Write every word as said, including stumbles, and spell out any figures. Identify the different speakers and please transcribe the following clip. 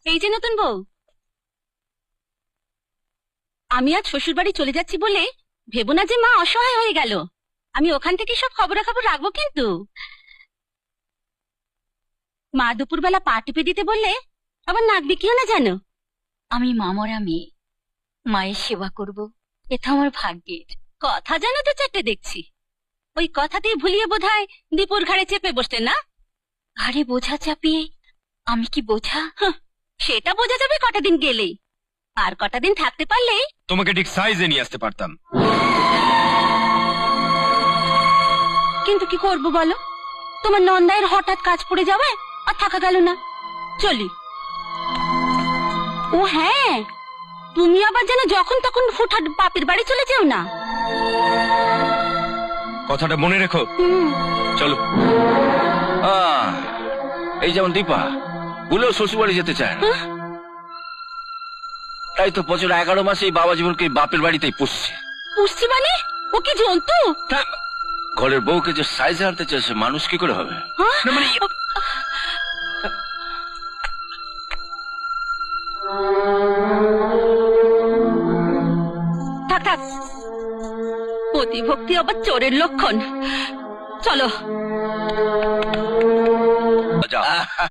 Speaker 1: এই যে নতুন বউ, আমি আজ শ্বশুর বাড়ি চলে যাচ্ছি বলে ভেবো না যে মা অসহায় হয়ে গেল। আমি ওখান থেকে সব খবরাখবর রাখবো কিন্তু। মা দুপুরবেলা পা টিপে দিতে বললে আবার নাক বিকিও না যেন।
Speaker 2: আমি মামরা মেয়ে, মায়ের সেবা করব, এটা আমার ভাগ্যের।
Speaker 1: কথা জানো তো চারটে দেখছি। ওই কথাতেই ভুলিয়ে বোধহয় দীপুর ঘাড়ে চেপে বসতেন না?
Speaker 2: ঘাড়ে বোঝা চাপিয়ে আমি কি বোঝা?
Speaker 1: হাহ, সেটা বোঝা যাবে কটা দিন গেলেই। আর কটা দিন থাকতে পারলেই
Speaker 3: তোমাকে ঠিক সাইজে নিয়ে আসতে পারতাম।
Speaker 1: কিন্তু কি করবো বলো, তোমার নন্দায়ের হঠাৎ কাজ পড়ে যাবে আর থাকা গেল না। চলি। ও হ্যাঁ, তুমি আবার যেন যখন তখন হুটহাট বাপের বাড়ি চলে যেও না।
Speaker 3: কথাটা মনে রেখো।
Speaker 1: হুম।
Speaker 3: চলো।
Speaker 4: আহ, এই যেমন দীপা ভুলেও শ্বশুর বাড়ি যেতে চায় না, তাই তো বছর এগারো মাসে এই বাবা জীবনকে বাপের বাড়িতেই পুষছে।
Speaker 1: পুষছি মানে ও কি জন্তু?
Speaker 4: তা- ঘরের বউকে যে সাইজে আনতে চাইছে, মানুষ কি করে হবে?
Speaker 1: হ্যাঁ?
Speaker 3: না মানে
Speaker 1: থাক থাক, প্রতিভক্তি আবার চোরের লক্ষণ। চলো।
Speaker 4: যাও।